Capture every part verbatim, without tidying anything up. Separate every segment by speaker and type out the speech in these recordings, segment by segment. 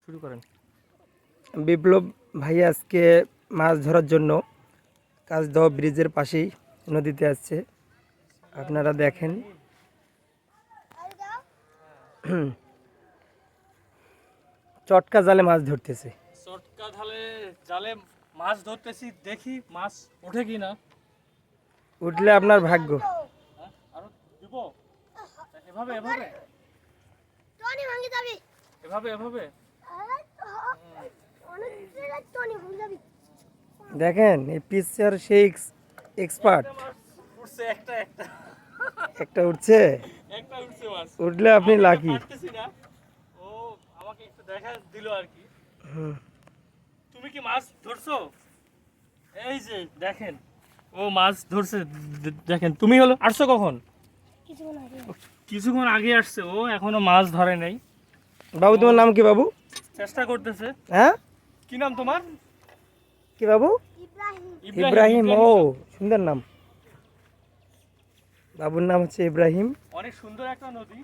Speaker 1: শুরু করেন।
Speaker 2: বিপ্লব ভাই আজকে মাছ ধরার জন্য কাজদহ ব্রিজের পাশেই নদীতে আসছে, আপনারা দেখেন। চটকা জালে মাছ ধরতেছে।
Speaker 1: চটকা ঢালে জালে মাছ ধরতেছি, দেখি মাছ ওঠে কি না।
Speaker 2: উঠলে আপনার ভাগ্য।
Speaker 1: হ্যাঁ, আরো দিব। এভাবে এভাবে এভাবে এভাবে
Speaker 2: দেখেন এই পিচার সেই এক্সপার্ট।
Speaker 1: একটা মাছ উঠছে, একটা একটা
Speaker 2: একটা উঠছে,
Speaker 1: একটা উঠছে মাছ।
Speaker 2: উঠলে আপনি
Speaker 1: আমি এটা
Speaker 2: লাকি।
Speaker 1: পারতেছি না, ও আমাকে একটু দেখা দিল আর কি। তুমি কি মাছ ধরছো? এই যে দেখেন, ও মাছ ধরছে। দে- দেখেন, তুমি হলো আসছো কখন? কিছুক্ষণ আগে আসছে, ও এখনো মাছ ধরে নাই।
Speaker 2: বাবু তোমার নাম কি বাবু?
Speaker 1: চেষ্টা করতেছে।
Speaker 2: হ্যাঁ,
Speaker 1: কি নাম তোমার?
Speaker 2: কি বাবু? ইব্রাহিম। ও সুন্দর নাম, বাবুর নাম হচ্ছে ইব্রাহিম।
Speaker 1: অনেক সুন্দর একটা নদী,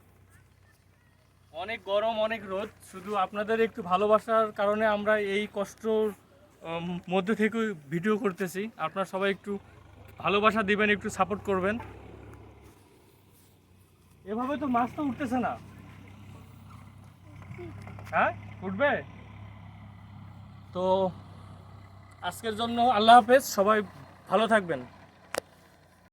Speaker 1: অনেক গরম, অনেক রোদ। শুধু আপনাদের একটু ভালোবাসার কারণে আমরা এই কষ্টর উম, মধ্যে থেকে ভিডিও করতেছি। আপনারা সবাই একটু ভালোবাসা দিবেন, একটু সাপোর্ট করবেন। এভাবে তো মাছ তো উঠতেছে না। হ্যাঁ, উঠবে তো। আজকের জন্য আল্লাহ হাফেজ, সবাই ভালো থাকবেন।